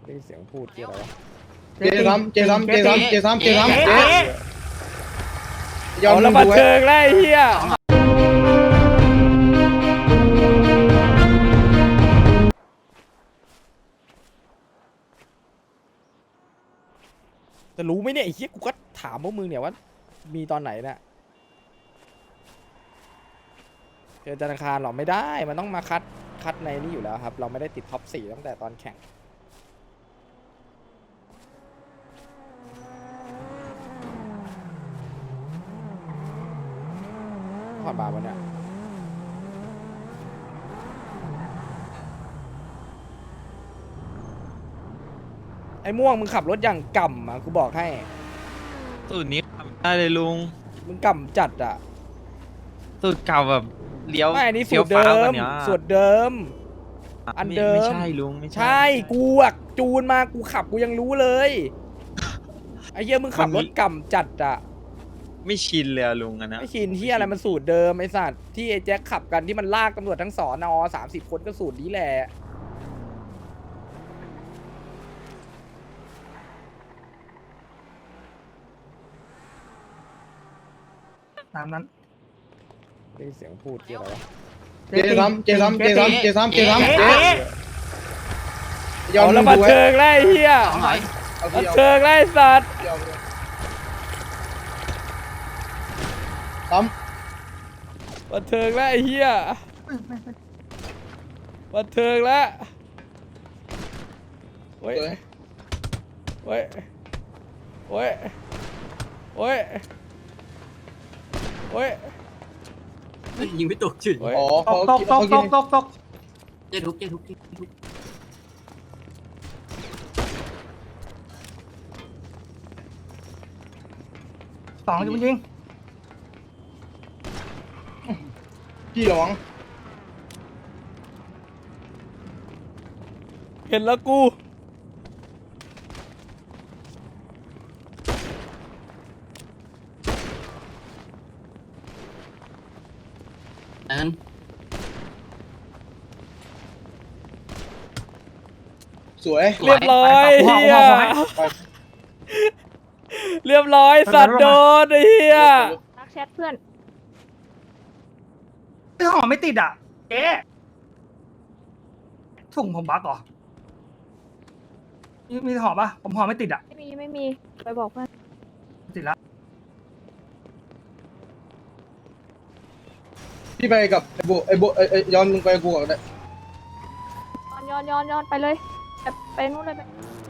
ได้ยินเสียงพูดที่อะไรวะเจซ้ำยอมแล้วมาเชิงไล่เฮียจะรู้ไหมเนี่ยไอ้เฮียกูก็ถามพวกมึงเนี่ยว่ามีตอนไหนเนี่ยเจอธนาคารหรอไม่ได้มันต้องมาคัดในนี้อยู่แล้วครับเราไม่ได้ติดท็อป4ตั้งแต่ตอนแข่งผ่อนบาร์วันเนี่ยไอ้ม่วงมึงขับรถอย่างก่ำอ่ะกูบอกให้สูตรนี้ทำได้เลยลุงมึงก่ำจัดอ่ะสูตรเก่าแบบเลี้ยวไม่อันนี้เฟี้สูยวตรเดิฟ้าวกมว่านี้สูตรเดิม อันเดิมไม่ใช่ลุงไม่ใช่กูอ่ะจูนมากูขับกูยังรู้เลยไอ้เหี้ยมึงขับรถก่ำจัดอ่ะไม่ชินเลยอะลุงอันนะไม่ชินที่อะไรมันสูตรเดิมไอ้สัตว์ที่ไอ้แจ็คขับกันที่มันลากตำรวจทั้งสอนอ30 คนก็สูตรนี้แหละตามนั้นได้ยินเสียงพูดที่อะไรวะเจซ้ำยอมแล้วมาเชิงไล่เฮียมาเชิงไล่สัตว์ซ้มาเชิงไล่เฮียมาเชิงแล้วโอ้ยำโอ้ยโอ้ยโอ้ยโอ้ยยิงไม่ตกจุดโอ้ยอ๋อตกเจ๊ทุกสองจริงพี่หลงเห็นแล้วกูนั้นสวยเรียบร้อยเฮียเรียบร้อยสัตว์โดนไอ้เฮียทักแชทเพื่อนไม่ห่อไม่ติดอ่ะเจ๊ถุงผมบักเหรอมีห่อปะผมห่อไม่ติดอ่ะไม่มีไปบอกเพื่อนติดแล้วพี่ไปกับไอ้โบย้อนมึงไปกูก่อนได้ย้อนไปเลยไปนู่นเลยไป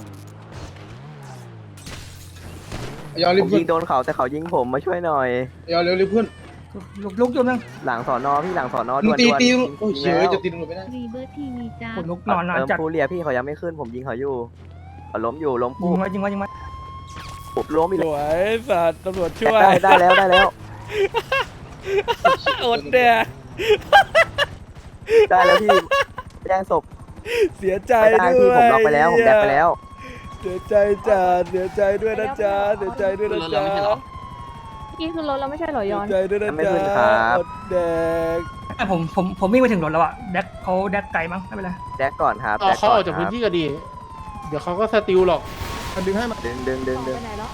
ย้อนผรีบมขึ้ยินงโดนเขาแต่เขายิงผมมาช่วยหน่อยย้อนเร็วรีบขึ้นลุกจุดนึงหลังสอนอพี่หลังสอนอมึด่งวนตีด่วนตียิงโอ้ยยิงเฉยแล้วจะตีตำรวจไม่ได้รีเบิร์ทีวีจ้าผมลุกนอนเติมจัดฟูเรียพี่เขายังไม่ขึ้นผมยิงเขาอยู่เขาล้มอยู่ล้มยิปุ๊งบไว้ยิงไว้ปุ๊บล้มอีกสแล้ววยสัตว์ตำรวจช่วยได้แล้วได้แล้วอดเนี่ยได้แล้วพี่แจ้งศพเสียใจไม่ได้ด้พี่วยผมล็อกไปแล้วผมแดกไปแล้วเสียใจจ้าเสียใจด้วยนะจ๊ะเสียใจด้วยนะจ๊ะนี่คือรถเราไม่ใช่เหรอเสีย้อย นใจด้วยนะไม่จ๊ะขึ้นครับอดแดกแต่ผมวิ่งไปถึงรถแล้วอ่ะแดกเขาแดกไกลมั้งไม่เป็นไรแดกก่อนครับเอาเขาออกจากพื้นที่ก็ดี เดี๋ยวเขาก็สติลหรอกมันดึงให้มาดึงไปไหนแล้ว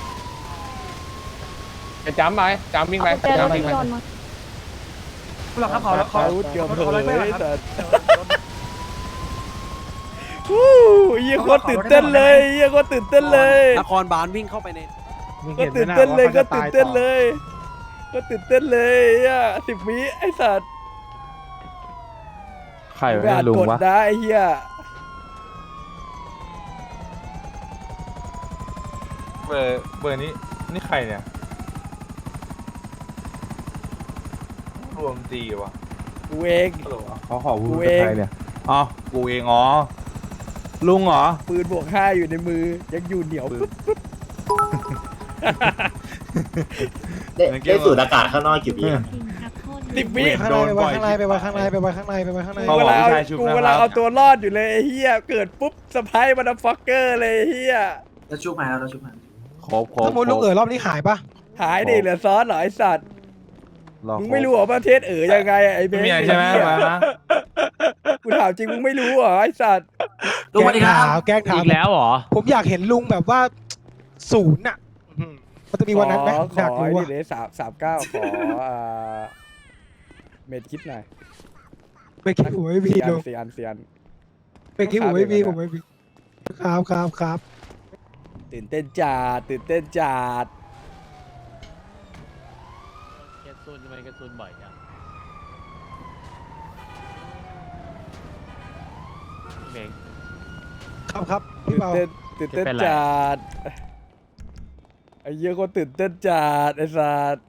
จะจ้ำไปจ้ำวิ่งไปเอากุญแจรถจ้ำไปวิ่งไปย้อนมาคุณหลักครับเขาเขาเกือบเผอะไรยไม่ได้ครับสัตว์ฮู้ยี่โคตรตื่นเต้นเลยยี่โคตรตื่นเต้นเลยนครบาลวิ่งเข้าไปในก็ตื่นเต้นเลยก็ตื่นเต้นเลยก็ตื่นเต้นเลยอ่ะ10 วิไอ้สัตว์ใครไม่อาจกดได้ไอ้เหี้ยเบอร์นี้นี่ใครเนี่ยรวมจีวะกูเองเขาขอพูดกูกับเองใครเนี่ยอ๋อกูเองอ๋อลุงเหรอปืนบวก5อยู่ในมือยังอยู่เหนียวปึ๊บได้สูดอากาศข้างนอกกี่ปี 10 วิโดนบ่อยไปไว้ข้างในเขากูบอกเวลาผู้ชายชุบกูนะเวคลารับเอาตัวรอดอยู่เลยไอ้เหี้ยเกิดปุ๊บสะพายมันฟักเกอร์เลยไอ้เหี้ยแล้วชุบมาแล้วชุบมาครบถ้ามุดลูกรอบนี้หายปะหายดิเหลือซอสเหรอไอ้สัตว์รอมึงโค้ไม่กรู้เหรอประเทศยังไงอะไอ้เบไม่นมีอะไรใช่ไหมอ้เยมานะกูถามจริงมึงไม่รู้เหรอไอ้สัตว์ลุงสวัสดีครับแกล้งถามอีกแล้วเหรอผมอยากเห็นลุงแบบว่าศูนย์อ่ะมันจะมีวันนั้นไหมขอยากอรู้ไอ้ว่านี่เลย39ขอเม็ดคิดหน่อยไปคิดหัวไม่มี 4 อัลุนง 4 อัน4 อันไปคิดหัวไม่มีต้องผถามมไม่มีครับตื่นเต้นจัดตื่นเต้นจัดแกซูนทำไมแกซูนบ่อยจังเบงครับพี่ตื่นเบาเต้นตื่นเต้นจะเป็นไรจัดไอ้เหี้ยคนตื่นเต้นจัดไอ้สัตว์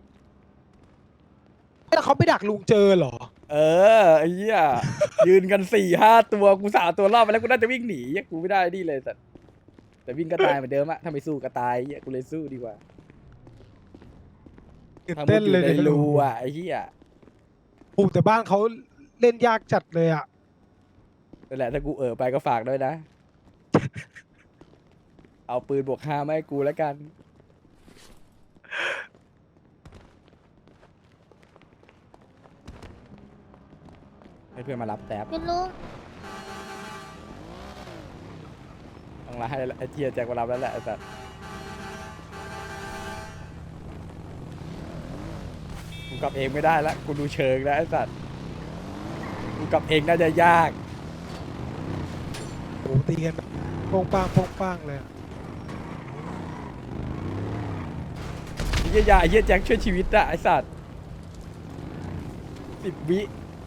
แล้วเขาไปดักลุงเจอเหรอเออไอ้เหี้ยยืนกัน4-5 ตัวกู3 ตัวรอบไปแล้วกูน่าจะวิ่งหนีเหี้ยกูไม่ได้นี่เลยสัตว์แต่วิ่งก็ตายเหมือนเดิมอะถ้าไม่สู้ก็ตายเหี้ยกูเลยสู้ดีกว่าตื่นถ้ามุเต้ดนอยู่เลยในเนี่ยรูอะไอ้เหี้ยโอ้แต่บ้านเขาเล่นยากจัดเลยอ่ะนั่นแหละถ้ากูไปก็ฝากด้วยนะ เอาปืนบวก5มาให้กูแล้วกันให้เพื่อนมารับแท็บเป็นลุงต้องลาให้ไอ้เทียแจ็คมารับแล้วแหละไอ้สัตว์กูกลับเองไม่ได้ละกูดูเชิงแล้วไอ้สัตว์กูกลับเองน่าจะยากโอ้ตีกันแบบโป้งป้างเลยอะไอ้เหี้ยยาไอ้เหี้ยแจ็คช่วยชีวิตอะไอ้สัตว์10 วิ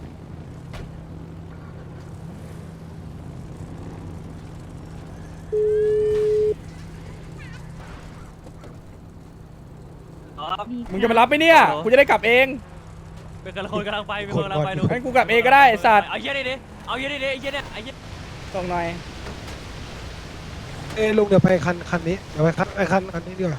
มึงจะมารับไหมเนี่ยกูจะได้กลับเองเป็นคนกำลังไปเป็นคนกำลังไปลุงงั้นกูกลับเองก็ได้ไอ้สัตว์เอาเยี่ยนี่ดิเอาเยี่ยนี่ดิไอ้เยี่ยเนี่ยไอ้เยี่ยส่งหน่อยลุงเดี๋ยวไปคันนี้เดี๋ยวไปคันนี้ดีกว่า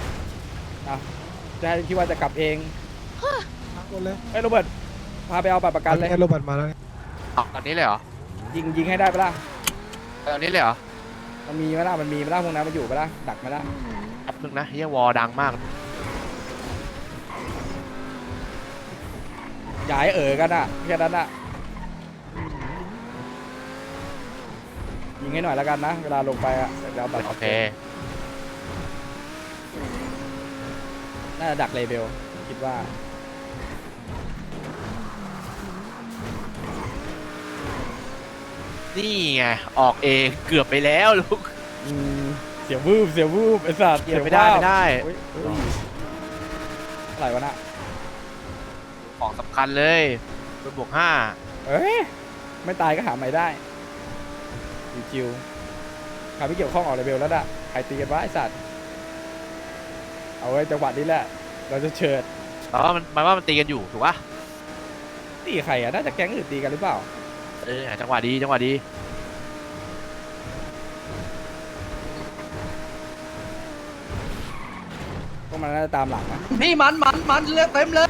จะให้คิดว่าจะกลับเองทั้งหมดเลยไอ้ยโรเบิร์ตพาไปเอาบัตรประกันเลยโรเบิร์ตมาแล้วตอนนี้เลยเหรอยิงให้ได้ปะล่ะตอนนี้เลยเหรอมันมีไหมล่ะมันมีไหมล่ะพวกนั้นมันอยู่ปะล่ะดักไหมล่ะแป๊บนึงนะเฮียวอดังมากอย่าให้กันอ่ะแค่นั้นอ่ะยิงให้หน่อยแล้วกันนะเวลาลงไปอ่ะเดี๋ยวเอาบัตรโอเคน่าจะดักเลเบลคิดว่านี่ไงออกเองเกือบไปแล้วลูกเสียวูบไอ้สัตว์เกือบไม่ได้ไม่ได้เฮ้ยอะไรวะน่ะของสำคัญเลยเป็นบวกห้าเอ้ยไม่ตายก็หาใหม่ได้คิวๆใครไม่เกี่ยวข้องออกเลเบลแล้วน่ะใครตีกันวะไอ้สัตว์เอาไว้จังหวะนี้แหละเราจะเชิดแต่ว่ามันตีกันอยู่ถูกปะตีใครอ่ะน่าจะแก๊งอื่นตีกันหรือเปล่าจังหวะดีพวกมันน่าจะตามหลังนะพี่มันเลือกเต็มเลย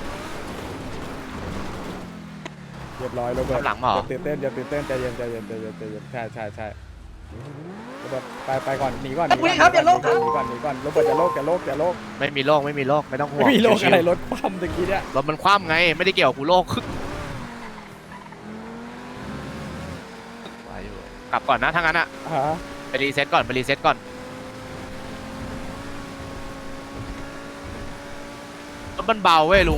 เรียบร้อยโรเบิร์ตหลังมาเหรออย่าตื่นเต้นใจเย็นใช่โรเบิร์ตไปก่อนหนีก่อนวิ่งครับอย่าโลกครับหนีก่อนโรเบิร์ตอย่าโลกไม่มีโรคไม่ต้องห่วงไม่มีโลกชิวๆอะไรรถคว่ำตะกี้เนี่ยรถมันคว่ำไงไม่ได้เกี่ยวกับกูโรคกลับก่อนนะถ้างั้นอะฮะไปรีเซ็ตก่อนรถมันเบาเว้ยลุง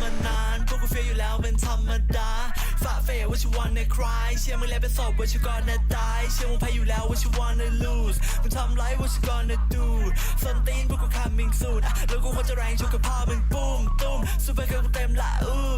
ฝ่าเฟว่าชิวันในคลายเชื่อมึงแล้วเป็นศพว่าชิวก่อนนะตายเชื่อมึงแพ้อยู่แล้วว่าชิวันใน lose มึงทำไรว่าชิก่อนนะดูส้นตีนพวกกู coming soon แล้วกูควรจะแรงชกกับพ่อมึงปุ้มตุ้มซูเปอร์เกิร์ลกูเต็มละอู้